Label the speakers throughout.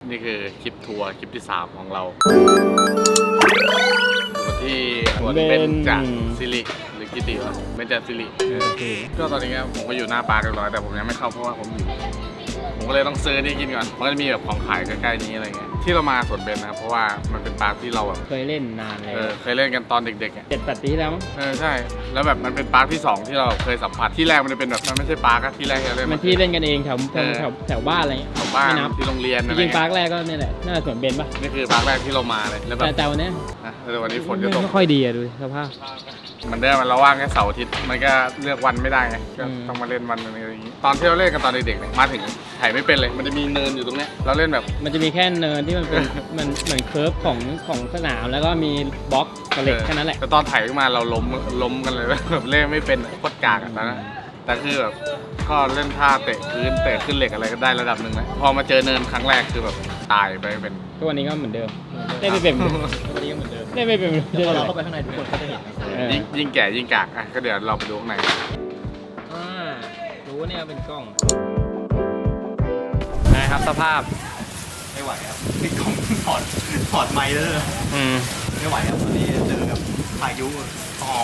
Speaker 1: นี่คือคลิปทัวร์คลิปที่3ของเราที่สวนเบญจศิริหรือกิติวะเบญจศิริก็ตอนนี้ผมก็อยู่หน้าปาร์คเรียบร้อยแต่ผมยังไม่เข้าเพราะว่าผมก็เลยต้องซื้อนี่กินก่อนมันก็จะมีแบบของขายใกล้ๆนี้อะไรเงี้ยที่เรามาสวนเบญนะครับเพราะว่ามันเป็นปาร์คที่เราแบบ
Speaker 2: เคยเล่นนานเลย
Speaker 1: เคยเล่นกันตอนเด็กๆ
Speaker 2: 7-8 ปีที่แล้วมั้ง
Speaker 1: ใช่แล้วแบบมันเป็นปาร์คที่2ที่เราเคยสัมผัสที่แรกมันจะเป็นแบบมันไม่ใช่ปาร์คที่แรกที่เราเล่น
Speaker 2: มันที่เล่นกันเองแถวบ้านอะไรเงี้ย
Speaker 1: แถวบ้านที่โรงเรียน
Speaker 2: จริงปาร์คแรกก็นี่แหละน่าจะสวนเบญปะ
Speaker 1: นี่คือปาร์คแรกที่เรามาเลยแล้วแบบ
Speaker 2: แต่วันนี้
Speaker 1: วันนี้ฝนจะตก
Speaker 2: ไม่ค่อยดีอะดูสภาพ
Speaker 1: มันได้มันเราว่างแค่เสาร์อาทิตย์มันก็เลือกวันไม่ได้ไงก็ต้องมาเล่นวันอะไรอย่างนี้ตอนที่เราเล่นกันตอนเด็กๆเนี่ยมาถึงถ่ายไม่เป็นเลยมันจะมีเนินอยู่ตรงเนี้ยเราเล่นแบบ
Speaker 2: มันจะมีแค่เนินที่มันเป็นมันเหมือนเคิร์ฟของสนามแล้วก็มีบล็อกกระเหล็กแค่นั้นแหละ
Speaker 1: แต่ตอนถ่ายขึ้นมาเราล้มกันเลยแบบเล่นไม่เป็นโคตรกากอะตอนนั้นแต่คือแบบก็เล่นท่าเตะพื้นเตะขึ้นเหล็กอะไรก็ได้ระดับหนึ่งนะพอมาเจอเนินครั้งแรกคือแบบตายไปเป็น
Speaker 2: ทุกวันนี้ก็เหมือนเดิมได้ไม่เป็นวันนี้ก็เหมือนเดิมได้ไม่เป็นเราเข้าไปข้างในทุกคนก็จะเห็น
Speaker 1: ยิ่งแก่ยิ่งกากอ่ะก็เดี๋ยวเราไปดูข้างใน
Speaker 2: รู้เนี่ยเป็นกล้องนะครับสภาพ
Speaker 3: ไม่ไหวครับนี่กล้องถอดไมค์แล้วเลยไม่ไหวครับตอนนี้เจอกับพายุตอม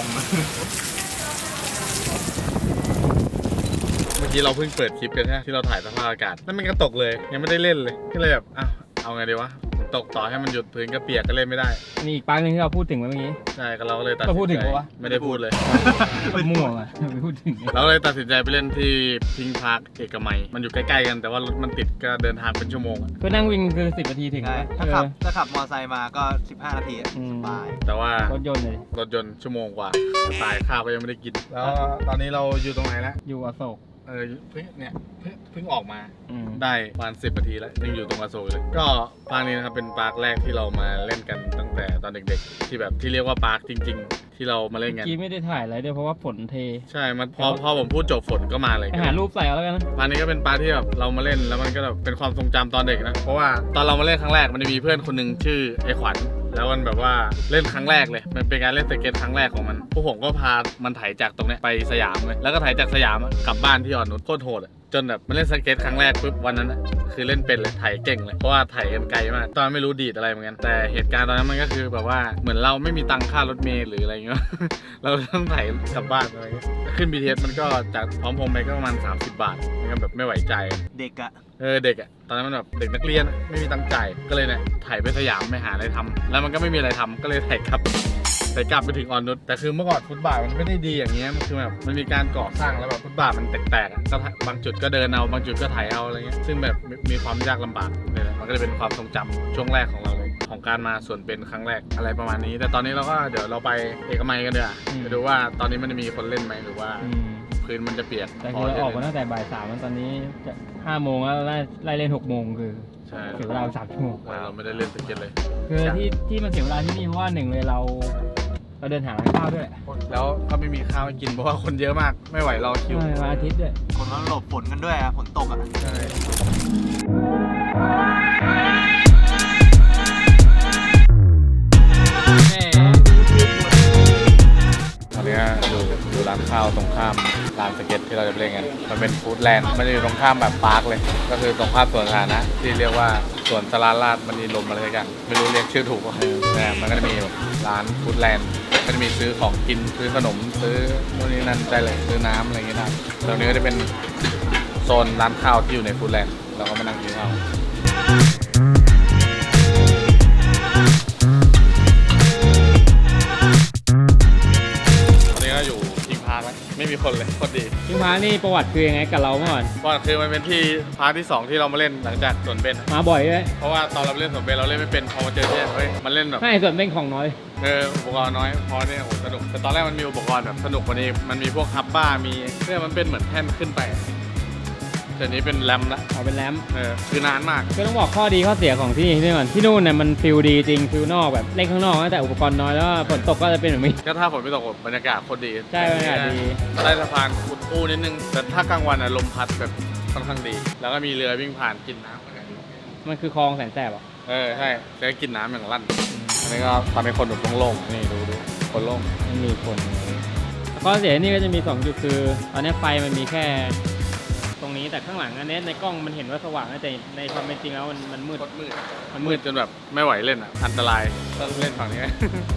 Speaker 1: เมื่อกี้เราเพิ่งเปิดคลิปกันใช่ไหมที่เราถ่ายสภาพอากาศนั่นมันก็ตกเลยยังไม่ได้เล่นเลยก็เลยแบบเอาไงดีวะตกต่อให้มันหยุดพื้นก็เปียกก็เล่นไม่ได้
Speaker 2: นี่อีกปาร์คนึงที่เราพูดถึงเมื่อกี้
Speaker 1: ใช่ก็เราก็เลยตัด
Speaker 2: พูดถึงปะวะ
Speaker 1: ไม่ได้พูดเลย
Speaker 2: มั่วอะไม่พูดถึง
Speaker 1: เราเลยตัดสินใจไปเล่นที่พิงพาร์คเอกมัยมันอยู่ใกล้ๆกันแต่ว่ารถมันติดก็เดินทางเป็นชั่วโมง
Speaker 2: ก็นั่งวิ่งคือ10 นาทีถึง
Speaker 3: ถ้าขับมอเตอร์ไซค์มาก็15 นาทีสบาย
Speaker 1: แต่ว่าร
Speaker 2: ถยนต์เลย
Speaker 1: ชั่วโมงกว่าตายข้าวก็ยังไม่ได้กินแล้วตอนนี้เราอยู่ตรงไหนแล้ว
Speaker 2: อยู่อโศก
Speaker 1: เพิ่งออกมาได้ประมาณ10 นาทีแล้วยังอยู่ตรงอโศกเลยก็ปาร์คนี้นะครับเป็นปาร์คแรกที่เรามาเล่นกันตั้งแต่ตอนเด็กๆที่แบบที่เรียกว่าปาร์คจริงๆที่เรามาเล่นกัน
Speaker 2: กี้ไม่ได้ถ่ายอะไรด้วยเพราะว่าฝนเท
Speaker 1: ใช่มันพอผมพูดจบฝนก็มาเลย
Speaker 2: หารูปใส่เอาแล้วกัน
Speaker 1: ปาร์คนี้ก็เป็นปาร์คที่แบบเรามาเล่นแล้วมันก็แบบเป็นความทรงจำตอนเด็กนะเพราะว่าตอนเรามาเล่นครั้งแรกมันจะมีเพื่อนคนหนึ่งชื่อไอ้ขวัญแล้วมันแบบว่าเล่นครั้งแรกเลยมันเป็นการเล่นสเก็ตครั้งแรกของมันพวกผมก็พามันไถจากตรงนี้ไปสยามเลยแล้วก็ไถจากสยามกลับบ้านที่อ่อนนุชโคตรโหดจนแบบมันเล่นสเก็ตครั้งแรกปุ๊บวันนั้นคือเล่นเป็นเลยไถเก่งเลยเพราะว่าไถกันไกลมากตอนไม่รู้ดีดอะไรเหมือนกันแต่เหตุการณ์ตอนนั้นมันก็คือแบบว่าเหมือนเราไม่มีตังค่ารถเมล์หรืออะไรเงี้ยเราต้องไถกลับบ้านอะไรเงี้ยขึ้น BTS มันก็จากพร้อมพงษ์ไปก็ประมาณ30 บาทมันก็แบบไม่ไหวใจ
Speaker 3: เด็กอะ
Speaker 1: เด็กตอนนั้นมันแบบเด็กนักเรียนไม่มีตังค์จ่ายก็เลยเนี่ยถ่ายไปสยามไปหาอะไรทำแล้วมันก็ไม่มีอะไรทำก็เลยถ่ายกลับไปถึงอ่อนนุชแต่คือเมื่อก่อนฟุตบาทมันไม่ได้ดีอย่างเงี้ยมันคือแบบมันมีการก่อสร้างแล้วแบบฟุตบาทมันแตกๆก็บางจุดก็เดินเอาบางจุดก็ถ่ายเอาอะไรเงี้ยซึ่งแบบมีความยากลำบากเลยนะมันก็เลยเป็นความทรงจำช่วงแรกของเราเลยของการมาสวนเบญครั้งแรกอะไรประมาณนี้แต่ตอนนี้เราก็เดี๋ยวเราไปเอกมัยกันเดี๋ยวไปดูว่าตอนนี้มันจะมีคนเล่นไหมหรือว่าพื้นมันจะเปียก
Speaker 2: แต่คือเราออกมาตั้งแต่บ่าย 3ตอนนี้จะ5 โมงแล้วไล่เล่น6 โมงคือเสียเวลา3 ชั่วโมง
Speaker 1: เราไม่ได้เล่นสเก็ตเลย
Speaker 2: คือที่มันเสียเวลาที่นี่เพราะว่า1เลยเราเดินหาร้านข้าวด้วย
Speaker 1: แล้วก็ไม่มีข้าวให้กินเพราะว่าคนเยอะมากไม่ไหวรอคิว
Speaker 2: วันอาทิตย์ด้วย
Speaker 3: คนก็หลบฝนกันด้วยฝนตกใช่
Speaker 1: ตอนนี้อยู่ร้านข้าวตรงข้ามร้านสเก็ตที่เราจะไปเล่นกันมันเป็นฟู้ดแลนด์มันจะอยู่ตรงข้ามแบบปาร์คเลยก็คือตรงข้ามสวนสาธารณะที่เรียกว่าสวนสลาราชมันมีลมอะไรกันไม่รู้เรียกชื่อถูกป่ะแต่มันก็จะมีร้านฟู้ดแลนด์ก็จะมีซื้อของกินซื้อขนมซื้อนู่นนี่นั่นได้เลยซื้อน้ำอะไรอย่างเงี้ยนะตรงนี้ก็จะเป็นโซนร้านข้าวที่อยู่ในฟู้ดแลนด์เราก็มานั่งกินข้าวอยู่พิงพาร์คไม่มีคนเลยโคตรดี
Speaker 2: พิงพาร์คนี่ประวัติคือยังไงกับเราเมื่อก่อน
Speaker 1: ประวัติคือมันเป็นที่พาร์คที่2ที่เรามาเล่นหลังจากสวนเบญ
Speaker 2: มาบ่อยเลย
Speaker 1: เพราะว่าตอนเราเล่นสวนเบญเราเล่นไม่เป็นพอมาเจอเนี่ยเฮ้ยมันเล่นแบบ
Speaker 2: ให้สวนเบญของน้อย
Speaker 1: อุปกรณ์น้อยพอเนี่ยโหสนุกแต่ตอนแรกมันมีอุปกรณ์แบบสนุกกว่านี้มันมีพวกฮับบ้ามีเนี่ยมันเป็นเหมือนแท่นขึ้นไปแต่นี้เป็นแรมละ
Speaker 2: เป็นแรม
Speaker 1: คือนานมาก
Speaker 2: ก็ต้องบอกข้อดีข้อเสียของที่นี่ก่อนที่นู่นเนี่ยมันฟิลดีจริงฟิลนอกแบบเล่นข้างนอกแต่อุปกรณ์น้อยแล้วฝนตกก็จะเป็นแบบนี้
Speaker 1: ก็ถ้าฝนไม่ตกบรรยากาศโคตรดี
Speaker 2: ใช่บรรยากาศดี
Speaker 1: ใต้สะพานอุดอู้นิดนึงแต่ถ้ากลางวันลมพัดแบบค่อนข้างดีแล้วก็มีเรือวิ่งผ่านกินน้ำ
Speaker 2: มันคือคลองแสนแสบอ่ะ
Speaker 1: ใช่แล้วกินน้ำอย่างลั่นอันนี้ก็ตอนนี้คนแบบโล่งๆนี่ดูคนโล่ง
Speaker 2: ไม่มีคนข้อเสียนี่ก็จะมี2 จุดคือตอนนี้ไฟมันมีแค่ตรงนี้นี้แต่ข้างหลังอันนี้ในกล้องมันเห็นว่าสว่างนะแต่ในความเป็นจริงแล้วมันมืด
Speaker 1: มันมืดจนแบบไม่ไหวเล่นอ่ะอันตรายต้องเล่นฝั่งนี้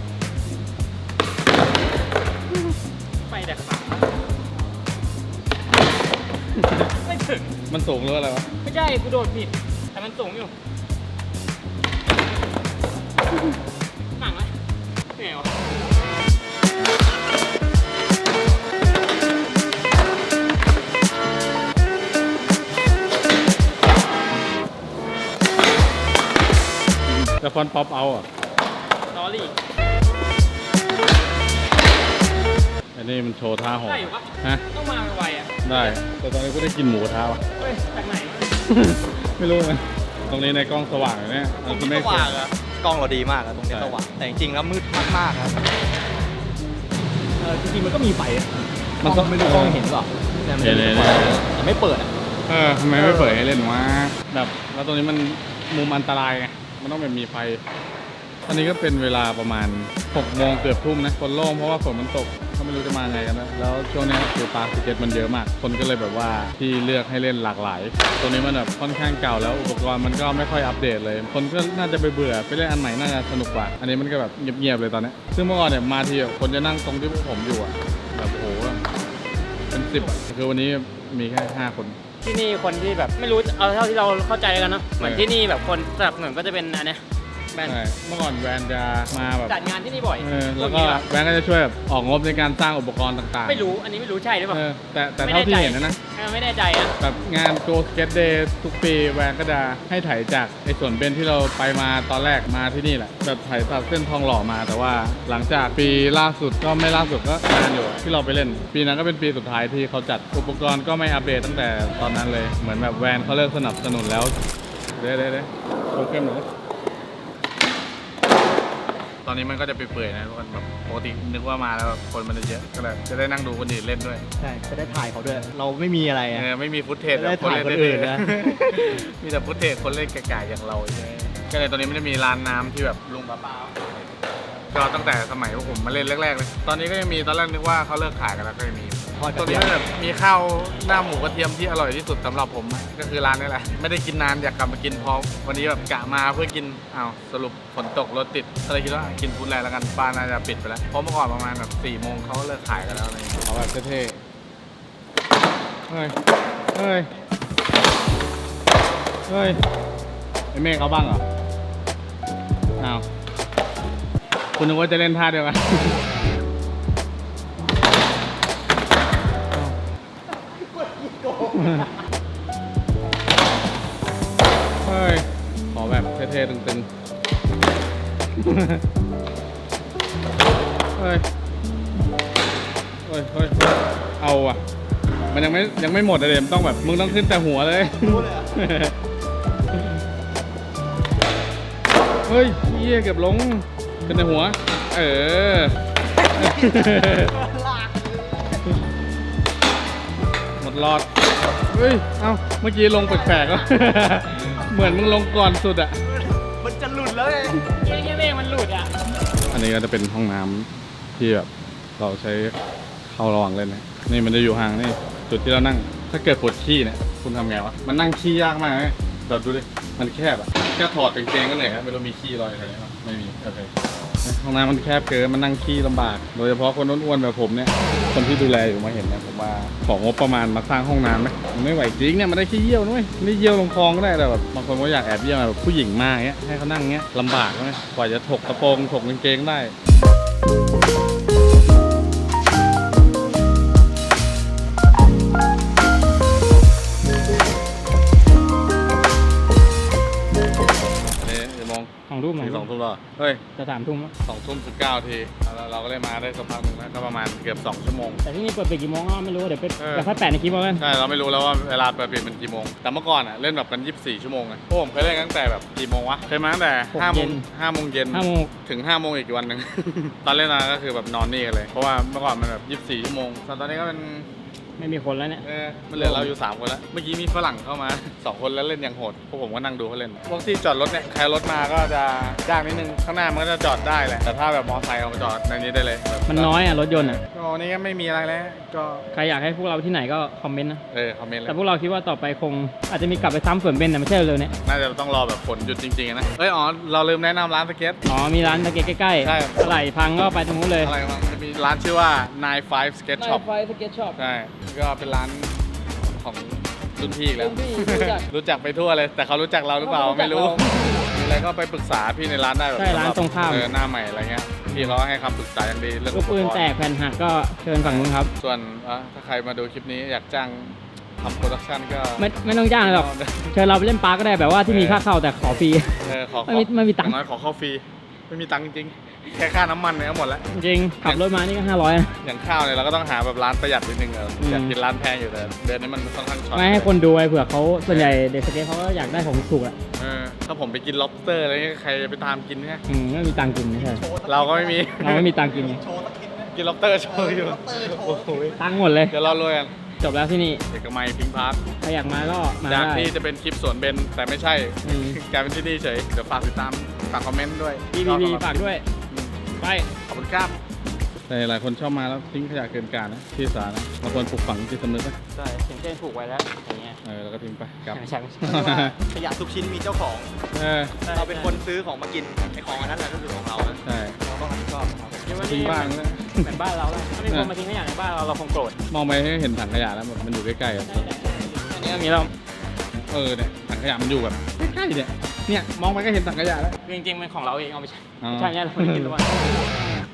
Speaker 2: ไปแต่ขาไม่ถึง
Speaker 1: มันสูงหรืออะไรวะ
Speaker 2: ไม่ใช่กูโดดผิดแต่มันสูงอยู่หนังไหมเหนียว
Speaker 1: แต่ฟอนป๊อปเอาอ่ะ
Speaker 2: ลอรี่
Speaker 1: อันนี้มันโชว์ท่าหอ
Speaker 2: ได้อยู่ปะ
Speaker 1: ฮะ
Speaker 2: ต้องมาไวๆอ่ะ
Speaker 1: ได้ แต่ตอนนี้ก็ได้กินหมูกระทะว่ะ
Speaker 2: เฮ้ยจากไหนวะ
Speaker 1: ไม่รู้นะตรงนี้ในกล้องสว่างเลยเนี่ย
Speaker 3: ตรง
Speaker 1: คุณ
Speaker 3: นี้
Speaker 1: ไม่
Speaker 3: สว่างอะกล้องเราดีมากอะตรงนี้
Speaker 1: ใช่
Speaker 3: สว่างแต่จริงๆแล้วมืดมากๆครับ
Speaker 2: จริงๆมันก็มีไฟอะ
Speaker 1: มันก็
Speaker 2: ไม่รู้กล้องเห็นหรือเปล่าแต่มัน
Speaker 1: เห็น
Speaker 2: แต่ไม่เปิดอ่ะ
Speaker 1: ทำไมไม่เปิดให้เล่นวะแบบแล้วตรงนี้มันมุมอันตรายไง มันต้องแบบมีไฟ ตอนนี้ก็เป็นเวลาประมาณ6 โมงเกือบทุ่มนะคนโล่งเพราะว่าฝนมันตกเขาไม่รู้จะมาไงกันนะแล้วช่วงนี้คือปาร์คสเก็ตมันเยอะมาก คนก็เลยแบบว่าที่เลือกให้เล่นหลากหลาย ตรงนี้มันแบบค่อนข้างเก่าแล้วอุปกรณ์มันก็ไม่ค่อยอัปเดตเลย คนก็น่าจะไปเบื่อไปเล่นอันใหม่น่าจะสนุกกว่า อันนี้มันก็แบบเงียบๆเลยตอนนี้ซึ่งเมื่อก่อนเนี่ยมาทีแบบคนจะนั่งตรงที่พวกผมอยู่อะแบบโอ้โหเป็น10อะคือวันนี้มีแค่5 คน
Speaker 2: ที่นี่คนที่แบบไม่รู้เอาเท่าที่เราเข้าใจแล้วกันเนาะเหมือนที่นี่แบบคนสนับสนุนก็จะเป็นอันเนี้ยแบรนด์
Speaker 1: ใช่เมื่อก่อนแวนจะมาแบบ
Speaker 2: จัดงานที่นี่บ่อย
Speaker 1: แล้วก็แบงก์ก็จะช่วยแบบออกงบในการสร้างอุปกรณ์ต่างๆ
Speaker 2: ไม่รู้อันนี้ไม่รู้ใช่หรือเปล่า
Speaker 1: แต่เท่าที่เห็นนะ
Speaker 2: ไม่แน่ใจอะ
Speaker 1: แบบงาน Go Skate Day ทุกปีแวนก็จะให้ถ่ายจากไอ้ส่วนเบนที่เราไปมาตอนแรกมาที่นี่แหละแบบถ่ายจากเส้นทองหล่อมาแต่ว่าหลังจากปีล่าสุดก็ไม่ล่าสุดก็นานอยู่ที่เราไปเล่น ปีนั้นก็เป็นปีสุดท้ายที่เขาจัดอุปกรณ์ก็ไม่อัปเดตตั้งแต่ตอนนั้นเลยเหมือนแบบแวนเขาเลิกสนับสนุนแล้วเด้โชว์เข้มหน่อยตอนนี้มันก็จะเปื่อยๆนะทุกคนแบบปกตินึกว่ามาแล้วคนมันจะเยอะก็เลยจะได้นั่งดูคนอื่นเล่นด้วย
Speaker 3: ใช่จะได้ถ่ายเขาด้วย เราไม่มีอะไรอะ
Speaker 1: ไม่มีฟุตเทจ
Speaker 3: จะได้ถ่ายคนอื่นนะ
Speaker 1: มีแต่ฟุตเทจคนเล่นไก่ๆอย่างเราใช่ไหมก็เลยตอนนี้ไม่ได้มีร้านน้ำที่แบบลุงป้าก็ตั้งแต่สมัยพวกผมมาเล่นแรกๆเลยตอนนี้ก็ยังมีตอนแรกนึกว่าเขาเลิกขายกันแล้วก็ยังมี
Speaker 3: ทอดก
Speaker 1: ตอ
Speaker 3: ระ
Speaker 1: น
Speaker 3: เที
Speaker 1: นี้
Speaker 3: ยม
Speaker 1: แบบมีข้าวหน้าหมูกระเทียมที่อร่อยที่สุดสำหรับผมอะก็คือร้านนี้แหละไม่ได้กินนานอยากกลับมากินพอวันนี้แบบกะมาเพื่อกินอ้าวสรุปฝนตกรถติดก็เลยคิดว่ากินฟู้ดแลนด์แล้วกันบ้านน่าจะปิดไปแล้วเพราะเมื่อก่อนประมาณแบบ4 โมงเขาเลิกขายกันแล้วอะไรอย่างเงี้ยเขาแบบเท่ๆเฮ้ยไอ้เมฆเอาบ้างเหรออ้าวคุณนึกว่าจะเล่นท่าเดียวกัน เฮ้ย ขอแบบเท่ๆตึงๆ เฮ้ย เอาอ่ะ มันยังไม่หมดเลยมันต้องแบบมึงต้องขึ้นแต่หัวเลย เฮ้ยเหี้ยเกือบลงขึ้นแต่หัว หมดรอด เฮ้ย เอ้า เมื่อกี้ลงแปลกๆวะ เหมือนมึงลงก่อนสุดอะ
Speaker 3: มันจะหลุดแล้วไง
Speaker 2: เฮียเมฆมันหลุดอ่ะ
Speaker 1: อันนี้ก็จะเป็นห้องน้ำที่แบบเราใช้เข้าระหว่างเล่นนะนี่มันจะอยู่ห่างนี่จุดที่เรานั่ง ถ้าเกิดปวดขี้เนี่ยคุณทำไงวะ มันนั่งขี้ยากมากเลยเดี๋ยวดูดิ มันแคบอะแค่ถอดกางเกงก็เหนื่อยครับไม่รู้มีขี้รอยอะไรไหมไม่มีโอเคห้องน้ำมันแคบเกินมันนั่งขี้ลำบาก โดยเฉพาะคนอ้วนๆแบบผมเนี่ย คนที่ดูแลอยู่มาเห็นเนี่ยผมว่าของงบประมาณมาสร้างห้องน้ำไหมมันไม่ไหวจริงเนี่ยมันได้แค่เยี่ยวนุ้ยนี่เยี่ยวลงคลองก็ได้แต่แบบบางคนก็อยากแอบเยี่ยวแบบผู้หญิงมากเงี้ยให้เขานั่งเงี้ยลำบากไหมกว่าจะถกกระโปรงถกกางเกงได้มอง
Speaker 2: 2 ทุ่ม
Speaker 1: ถึง2 ทุ่มแล้วเฮ้ย
Speaker 2: จะ3 ทุ่มแล้ว
Speaker 1: 2 ทุ่ม 19 ทีเราก็เลยมาได้สักพักหนึ่งแล้วก็ประมาณเกือบ2 ชั่วโมง
Speaker 2: แต่ที่นี่เปิดปิดกี่โมงก็ไม่รู้เดี๋ยวไป
Speaker 1: เออ
Speaker 2: เดี๋ยวค่อยแปะในคลิปเอากัน
Speaker 1: ใช่เราไม่รู้แล้วว่าเวลาเปิดปิดมันกี่โมงแต่เมื่อก่อนอ่ะเล่นแบบกัน24 ชั่วโมงไงพวกผมเคยเล่นตั้งแต่แบบกี่โมงวะเคยมาตั้งแต่5 โมงเย็น
Speaker 2: 5 โมง
Speaker 1: ถึง 5 โมงอีกวันหนึ่ง ตอนเล่นมาก็คือแบบนอนนี่กันเลยเพราะว่าเมื่อก่อนมันแบบ24 ชั่วโมงตอนนี้ก็เป็น
Speaker 2: ไม่มีคนแล้วเนี่ย
Speaker 1: มันเหลือเราอยู่3 คนแล้วเมื่อกี้มีฝรั่งเข้ามา 2 คนแล้วเล่นอย่างโหดพวกผมก็นั่งดูเขาเล่นพวกที่จอดรถเนี่ยใครรถมาก็จะยากนิดนึงข้างหน้ามันก็จะจอดได้แหละแต่ถ้าแบบมอเตอร์ไซค์เอามาจอดในนี้ได้เลยแบบ
Speaker 2: มันน้อยอ่ะรถยนต์อ่ะ
Speaker 1: ก็วันนี้ก็ไม่มีอะไรแล้วก็
Speaker 2: ใครอยากให้พวกเราที่ไหนก็คอมเมนต์นะ
Speaker 1: คอมเมนต์เลย
Speaker 2: แต่พวกเราคิดว่าต่อไปคงอาจจะมีกลับไปซ้ำสวนเบนแต่ไม่ใช่เร็วๆเนี่ย
Speaker 1: น่าจะต้องรอแบบฝนหยุดจริงๆนะอ๋อเราลืมแนะนำร้านสเก็ต
Speaker 2: อ๋อมีร้านตะเกียใกล้ๆ
Speaker 1: ใช่
Speaker 2: อะไรพังก็ไปตรงนู้นเลย
Speaker 1: อะไรบ้างจะมีร้านชื่อว่า 95 Skate Shop
Speaker 2: ไฟสเก็ตช็อป
Speaker 1: ใช่ก็เป็นร้านของรุ่นพี่อีกแล้ว
Speaker 2: รุ่นพี่รู้จัก
Speaker 1: รู้จักไปทั่วเลย แต่เขารู้จักเราหรือเปล่า
Speaker 2: เขารู้จัก
Speaker 1: ไม่รู้
Speaker 2: เรา
Speaker 1: มีอะไรก็ไปปรึกษาพี่ในร้านได้แบบ
Speaker 2: ใช่ร้านตรงข้าม
Speaker 1: หน้าใหม่อะไรเงี้ยพี่เขาให้คำปรึกษาอย่างดีเรื่อง
Speaker 2: ลูกปืนแตกแผ่นหักก็เชิญฝั่งนู้นครับ
Speaker 1: ส่วนถ้าใครมาดูคลิปนี้อยากจ้างทำโปรดักชั่นก็
Speaker 2: ไม่ต้องจ้างหรอกเชิญเราไปเล่นปาร์กก็ได้แบบว่าที่มีค่าเข้าแต่ขอฟรี ไม่มีตังค์
Speaker 1: อย่างน้อยขอเข้าฟรีไม่มีตังค์จริงๆแค่ค่าน้ำมันเนี่ยก็หมดแล้ว
Speaker 2: จริงๆขับรถมานี่ก็500นะ
Speaker 1: อย่างข้าวเนี่ยเราก็ต้องหาแบบร้านประหยัดนิดนึงอยากกินร้านแพงอยู่แต่เดือนนี้มันค่อนข้างช็อต
Speaker 2: ไม่ให้คนดูไว้เผื่อเขาส่วนใหญ่เด็กสเก็ตเขาก็อยากได้ของถูกอ่ะ
Speaker 1: ถ้าผมไปกิน lobster อะไรเงี้ยใครจะไปตามกินเนี่ย
Speaker 2: ไม่มีตังค์กินไม่ใช่
Speaker 1: เราก็ไม่มี
Speaker 2: เราไม่มีตังค์กิน
Speaker 3: โชว์สักนิดนะ
Speaker 1: กิน lobster โชว์อยู่
Speaker 3: lobster โชว์
Speaker 1: โอ้โห
Speaker 2: ตังค์หมดเลย
Speaker 1: เดี๋ยวเรารวยกัน
Speaker 2: จบแล้วที่นี่
Speaker 1: เอกมัยพิงพาร์ค
Speaker 2: ใครอยากมาก็มา
Speaker 1: จาก
Speaker 2: ได้
Speaker 1: ที่จะเป็นคลิปสวนเบนแต่ไม่ใช่
Speaker 2: อืม
Speaker 1: กลายเป็นที่นี่เฉยเดี๋ยวฝากติดตามฝากคอมเมนต์ด้วย
Speaker 2: BBB ฝากด้วยไป
Speaker 1: ขอบคุณครับหลายคนชอบมาแล้วทิ้งขยะเกินการนะที่สาธารณะบางคนปลูกฝังจิตสำนึกนะ
Speaker 2: ใช่ถึงเส้นผูกไว้แล้วอย่างเงี้ย
Speaker 1: แล้วก็ทิ้งไปกลับ
Speaker 2: ไม่ใช่ไม่ใช่
Speaker 3: ขยะทุกชิ้นมีเจ้าของ เราเป็นคนซื้อของมากินไอของอันนั้นแหละก็คือของเรานะ
Speaker 1: ใช่
Speaker 3: เราต้องรับผิดชอบครับ
Speaker 1: ทิ้งบ้างนะ
Speaker 2: เหมือนบ้านเราแล้วถ้ามีคนมาทิ้งขยะในบ้านเราเราคงโกรธ
Speaker 1: มองไปให้เห็นถังขยะแล้วแบบมันอยู่ใกล้ๆอะ
Speaker 2: อันนี้ก็มีเรา
Speaker 1: เนี่ยถังขยะมันอยู่แบบใกล้ๆเนี่ยมองไปก็เห็นถังขยะแล้ว
Speaker 2: จริงๆเป็นของเราเองเอาไปใช้
Speaker 1: อ๋อ
Speaker 2: ใช่เนี่ยเราไม่ได้กินทุกวัน